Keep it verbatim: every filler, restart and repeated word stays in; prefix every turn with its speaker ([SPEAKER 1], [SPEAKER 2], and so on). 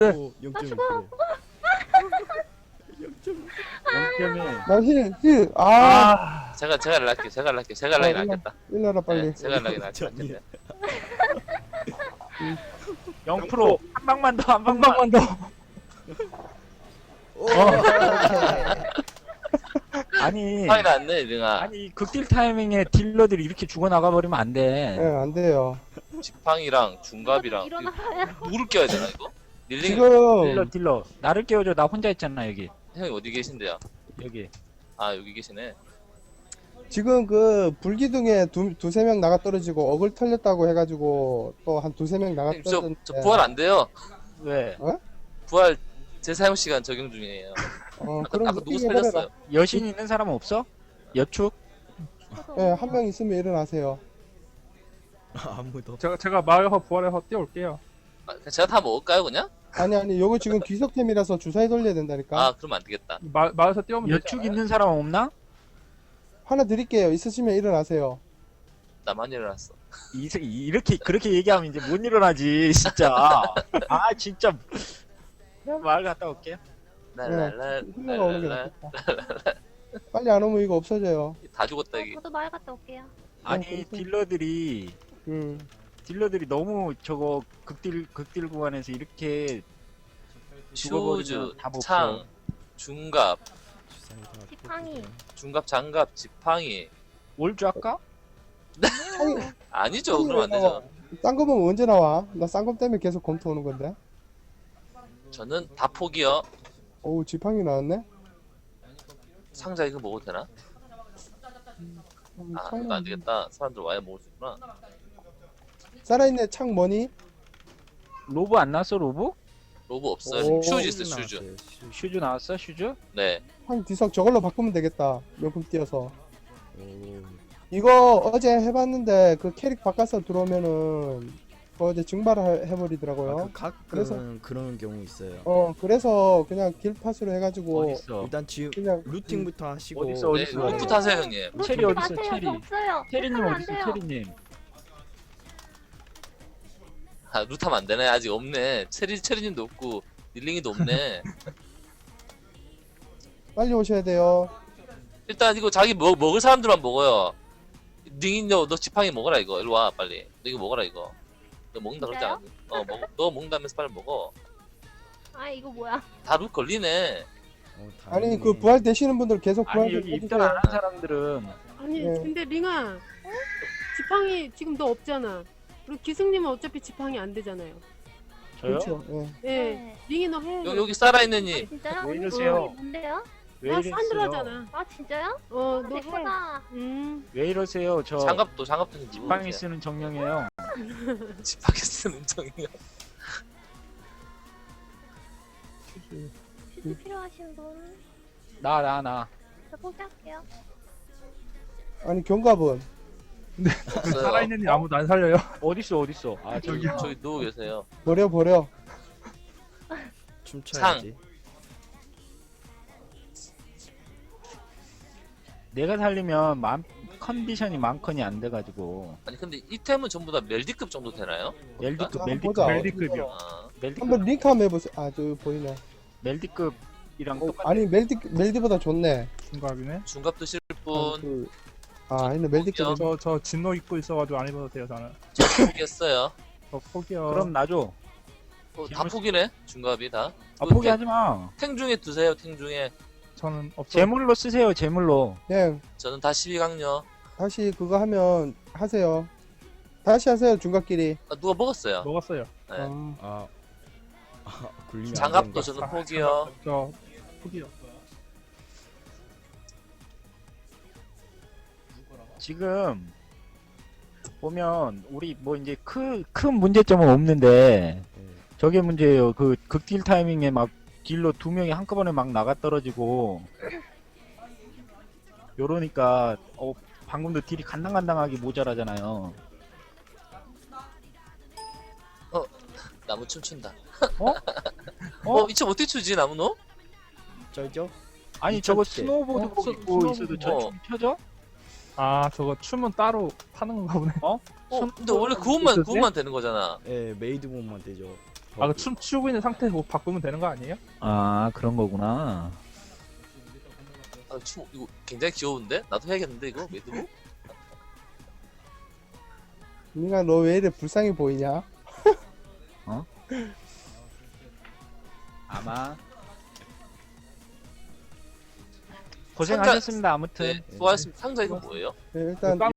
[SPEAKER 1] 오, 영 점 일 퍼센트. 영 점 일.
[SPEAKER 2] 나 힐, 힐. 아,
[SPEAKER 3] 아,
[SPEAKER 4] 제가 제가 연락할게요. 제가 연락할게요. 제가 연락이
[SPEAKER 2] 어, 일로-
[SPEAKER 4] 낫겠다.
[SPEAKER 2] 일러라 빨리.
[SPEAKER 4] 네, 제가 연락이 낫겠다.
[SPEAKER 3] 영 퍼센트 한 방만 더, 한
[SPEAKER 5] 한
[SPEAKER 3] 방만.
[SPEAKER 5] 방만 더.
[SPEAKER 1] 오,
[SPEAKER 3] 아니,
[SPEAKER 4] 화이 났네, 능아.
[SPEAKER 3] 아니 극딜 타이밍에 딜러들이 이렇게 죽어 나가 버리면 안 돼.
[SPEAKER 2] 예, 안 돼요.
[SPEAKER 4] 지팡이랑 중갑이랑 이거
[SPEAKER 6] 일어나요.
[SPEAKER 4] 누구를 껴야 되나 이거? 릴링
[SPEAKER 2] 지금
[SPEAKER 3] 딜러, 딜러, 나를 깨워줘. 나 혼자 있잖아 여기.
[SPEAKER 4] 형이 어디 계신데요?
[SPEAKER 3] 여기.
[SPEAKER 4] 아 여기 계시네.
[SPEAKER 2] 지금 그 불기둥에 두 두세 명 나가 떨어지고 어글 털렸다고 해가지고 또 한 두세 명 나가
[SPEAKER 4] 형님 저,
[SPEAKER 2] 떨어졌는데.
[SPEAKER 4] 저 부활 안 돼요.
[SPEAKER 3] 왜?
[SPEAKER 4] 부활 재사용 시간 적용 중이에요.
[SPEAKER 2] 어,
[SPEAKER 4] 아까,
[SPEAKER 2] 그럼
[SPEAKER 4] 아까 누구
[SPEAKER 2] 뛰게 해버려라.
[SPEAKER 4] 살렸어요?
[SPEAKER 3] 여신 있는 사람 없어? 여축?
[SPEAKER 2] 예, 한 명 있으면 일어나세요.
[SPEAKER 1] 아무도.
[SPEAKER 5] 제가 제가 마을에서 부활해서 뛰어올게요.
[SPEAKER 4] 아, 그냥 제가 다 먹을까요 그냥?
[SPEAKER 2] 아니 아니, 요거 지금 귀석템이라서 주사위 돌려야 된다니까.
[SPEAKER 4] 아 그러면 안 되겠다.
[SPEAKER 5] 마, 마을에서 뛰어오면 되지
[SPEAKER 3] 여축
[SPEAKER 5] 않아요?
[SPEAKER 3] 있는 사람 없나?
[SPEAKER 2] 하나 드릴게요. 있으시면 일어나세요.
[SPEAKER 4] 나만 일어났어.
[SPEAKER 3] 이, 새- 이렇게 그렇게 얘기하면 이제 못 일어나지 진짜. 아 진짜. 내가 마을 갔다 올게.
[SPEAKER 4] 랄랄랄
[SPEAKER 2] 힐러가 오는 게
[SPEAKER 4] 랄랄랄.
[SPEAKER 2] 낫겠다. 빨리 안 오면 이거 없어져요.
[SPEAKER 4] 다 죽었다
[SPEAKER 6] 어,
[SPEAKER 4] 이게.
[SPEAKER 6] 저도 마을 갔다 올게요.
[SPEAKER 3] 아니
[SPEAKER 2] 그래서-
[SPEAKER 3] 딜러들이
[SPEAKER 2] 음.
[SPEAKER 3] 딜러들이 너무 저거 극딜 극딜 구간에서 이렇게 죽어버리면
[SPEAKER 4] 슈즈,
[SPEAKER 3] 답 없어.
[SPEAKER 4] 창, 중갑,
[SPEAKER 1] 주사위 다
[SPEAKER 6] 지팡이.
[SPEAKER 1] 뽑을게요.
[SPEAKER 4] 중갑, 장갑, 지팡이.
[SPEAKER 3] 올줄 할까?
[SPEAKER 2] 창이
[SPEAKER 4] 아니죠.
[SPEAKER 2] 창이
[SPEAKER 4] 그러면 안
[SPEAKER 2] 왜 나와?
[SPEAKER 4] 되죠.
[SPEAKER 2] 쌍검은 언제 나와? 나 쌍검 때문에 계속 검토 오는 건데.
[SPEAKER 4] 저는 다 포기요.
[SPEAKER 2] 어우, 지팡이 나왔네.
[SPEAKER 4] 상자 이거 먹어도 되나?
[SPEAKER 2] 음,
[SPEAKER 4] 아
[SPEAKER 2] 창
[SPEAKER 4] 이거 안 되겠다. 사람들 와야 먹을 수 있구나.
[SPEAKER 2] 살아있네. 창 뭐니?
[SPEAKER 3] 로브 안 나왔어 로브?
[SPEAKER 4] 로브 없어요.
[SPEAKER 2] 오.
[SPEAKER 4] 슈즈 있어 슈즈.
[SPEAKER 1] 나왔어요, 슈즈.
[SPEAKER 3] 슈즈 나왔어 슈즈?
[SPEAKER 4] 네.
[SPEAKER 2] 창 뒤석 저걸로 바꾸면 되겠다. 명품 띄어서.
[SPEAKER 1] 오,
[SPEAKER 2] 이거 어제 해봤는데 그 캐릭 바꿔서 들어오면은 그 어제 증발을 해- 해버리더라고요.
[SPEAKER 1] 아, 그 가끔
[SPEAKER 2] 그래서-
[SPEAKER 1] 그런 경우 있어요.
[SPEAKER 2] 어, 그래서 그냥 길팟으로 해가지고
[SPEAKER 3] 어딨어?
[SPEAKER 1] 일단 지금
[SPEAKER 2] 그냥
[SPEAKER 1] 루팅부터 하시고.
[SPEAKER 3] 어딨어,
[SPEAKER 4] 네,
[SPEAKER 3] 어딨어?
[SPEAKER 4] 루프 타세요 형님.
[SPEAKER 6] 로
[SPEAKER 3] 체리
[SPEAKER 6] 리
[SPEAKER 3] 어딨어,
[SPEAKER 6] 마세요.
[SPEAKER 3] 체리?
[SPEAKER 6] 저 없어요.
[SPEAKER 3] 체리님
[SPEAKER 6] 하면 안
[SPEAKER 3] 어딨어
[SPEAKER 6] 돼요.
[SPEAKER 3] 체리님?
[SPEAKER 4] 아 루타면 안 되네. 아직 없네. 체리 체리님도 없고 릴링이도 없네.
[SPEAKER 2] 빨리 오셔야 돼요.
[SPEAKER 4] 일단 이거 자기 먹, 먹을 사람들만 먹어요. 링이 너, 너 지팡이 먹어라 이거. 일로 와 빨리. 너 이거 먹어라 이거. 너 먹는다 그러지 않았니? 어 먹어. 너 먹는다면서 빨리 먹어.
[SPEAKER 6] 아 이거 뭐야?
[SPEAKER 4] 다 룩 걸리네.
[SPEAKER 1] 어,
[SPEAKER 2] 아니
[SPEAKER 1] 다행이네.
[SPEAKER 2] 그 부활 되시는 분들 계속 부활
[SPEAKER 3] 아니
[SPEAKER 2] 좀
[SPEAKER 3] 여기 입단
[SPEAKER 2] 해주세요.
[SPEAKER 3] 안 한 사람들은
[SPEAKER 7] 아니
[SPEAKER 2] 네.
[SPEAKER 7] 근데 링아 지팡이 지금 너 없잖아. 그리고 기승님은 어차피 지팡이 안 되잖아요.
[SPEAKER 3] 저요?
[SPEAKER 2] 그렇죠. 예.
[SPEAKER 7] 예,
[SPEAKER 6] 네.
[SPEAKER 7] 링이 너 해.
[SPEAKER 4] 여기 여기 살아있는
[SPEAKER 6] 아,
[SPEAKER 4] 이.
[SPEAKER 6] 진짜요?
[SPEAKER 3] 왜
[SPEAKER 6] 언니
[SPEAKER 3] 이러세요?
[SPEAKER 6] 이름이 뭔데요?
[SPEAKER 3] 왜
[SPEAKER 7] 나
[SPEAKER 3] 이러세요?
[SPEAKER 7] 산드라잖아.
[SPEAKER 6] 아 진짜요?
[SPEAKER 7] 어,
[SPEAKER 6] 아,
[SPEAKER 7] 너 해.
[SPEAKER 6] 예쁘다.
[SPEAKER 7] 음,
[SPEAKER 3] 왜 이러세요? 저
[SPEAKER 4] 장갑도 장갑도 좀
[SPEAKER 3] 지팡이
[SPEAKER 4] 누르세요.
[SPEAKER 3] 쓰는 정령이에요.
[SPEAKER 4] 지팡이 쓰는 정이요.
[SPEAKER 6] 퀴즈 필요하신 분?
[SPEAKER 3] 나 나 나.
[SPEAKER 6] 저 포기할게요.
[SPEAKER 2] 아니 경갑은
[SPEAKER 4] 없어요.
[SPEAKER 5] 살아있는 일 아무도 안 살려요.
[SPEAKER 3] 어딨어 어딨어? 아 저기.
[SPEAKER 4] 저기 저기 누워 계세요.
[SPEAKER 2] 버려 버려.
[SPEAKER 1] 춤춰야지.
[SPEAKER 3] 내가 살리면 만, 컨디션이 만컨이 안 돼가지고
[SPEAKER 4] 아니 근데 이템은 전부 다 멜디급 정도 되나요?
[SPEAKER 3] 멜디급
[SPEAKER 2] 자,
[SPEAKER 3] 멜디급
[SPEAKER 2] 보자.
[SPEAKER 5] 멜디급이요.
[SPEAKER 4] 아,
[SPEAKER 3] 멜디급
[SPEAKER 2] 한번 링크 한번 해보세요. 아, 저 보이네.
[SPEAKER 3] 멜디급이랑
[SPEAKER 2] 어,
[SPEAKER 3] 똑같아.
[SPEAKER 2] 아니 멜디 멜디보다 좋네.
[SPEAKER 5] 중갑이네.
[SPEAKER 4] 중갑 드실
[SPEAKER 2] 아,
[SPEAKER 4] 분
[SPEAKER 2] 그, 아 아니네 멜디급.
[SPEAKER 5] 저 저 진노 입고 있어가지고 안 입어도 돼요 저는.
[SPEAKER 4] 저 포기했어요.
[SPEAKER 5] 저 포기요.
[SPEAKER 3] 그럼 나줘.
[SPEAKER 4] 어, 다 포기네. 중갑이 다.
[SPEAKER 3] 아 포기하지 마.
[SPEAKER 4] 탱 중에 두세요. 탱 중에.
[SPEAKER 5] 저는 없어.
[SPEAKER 3] 제물로 쓰세요 제물로.
[SPEAKER 2] 그냥
[SPEAKER 4] 저는 다 십이 강요.
[SPEAKER 2] 다시 그거 하면 하세요. 다시 하세요 중갑끼리.
[SPEAKER 4] 아, 누가 먹었어요?
[SPEAKER 5] 먹었어요.
[SPEAKER 4] 네.
[SPEAKER 2] 아,
[SPEAKER 1] 아, 아 굴리면 안
[SPEAKER 4] 장갑도
[SPEAKER 1] 된다.
[SPEAKER 4] 저는
[SPEAKER 5] 아,
[SPEAKER 4] 포기요.
[SPEAKER 5] 저 포기요.
[SPEAKER 3] 지금 보면 우리 뭐 이제 큰 큰 문제점은 없는데
[SPEAKER 1] 네.
[SPEAKER 3] 저게 문제예요. 그 극딜 타이밍에 막 딜러 두 명이 한꺼번에 막 나가 떨어지고 요러니까 어 방금도 딜이 간당간당하게 모자라잖아요.
[SPEAKER 4] 나무 춤춘다.
[SPEAKER 3] 어?
[SPEAKER 4] 어? 이참 어떻게 추지 나무노?
[SPEAKER 1] 쩔죠?
[SPEAKER 3] 아니 저거
[SPEAKER 1] 미쳤지?
[SPEAKER 3] 스노우보드
[SPEAKER 5] 어,
[SPEAKER 3] 복
[SPEAKER 5] 스-
[SPEAKER 3] 입고
[SPEAKER 5] 스노우보드
[SPEAKER 3] 있어도
[SPEAKER 4] 뭐.
[SPEAKER 3] 저춤 펴져?
[SPEAKER 5] 아 저거 춤은 따로 타는 건가 보네.
[SPEAKER 4] 어? 근데 원래 그 옷만 그 옷만 되는 거잖아.
[SPEAKER 1] 예, 메이드 몸만 되죠.
[SPEAKER 5] 아, 그 춤 추고 있는 상태 뭐 바꾸면 되는 거 아니에요?
[SPEAKER 8] 아 그런 거구나.
[SPEAKER 4] 아, 춤 이거 굉장히 귀여운데? 나도 해야겠는데 이거 매듭?
[SPEAKER 2] 민가 너 왜 이래 불쌍해 보이냐?
[SPEAKER 8] 아마
[SPEAKER 3] 고생하셨습니다. 아무튼.
[SPEAKER 4] 네, 수고하셨습니다. 상자 이거 뭐예요?
[SPEAKER 2] 네, 일단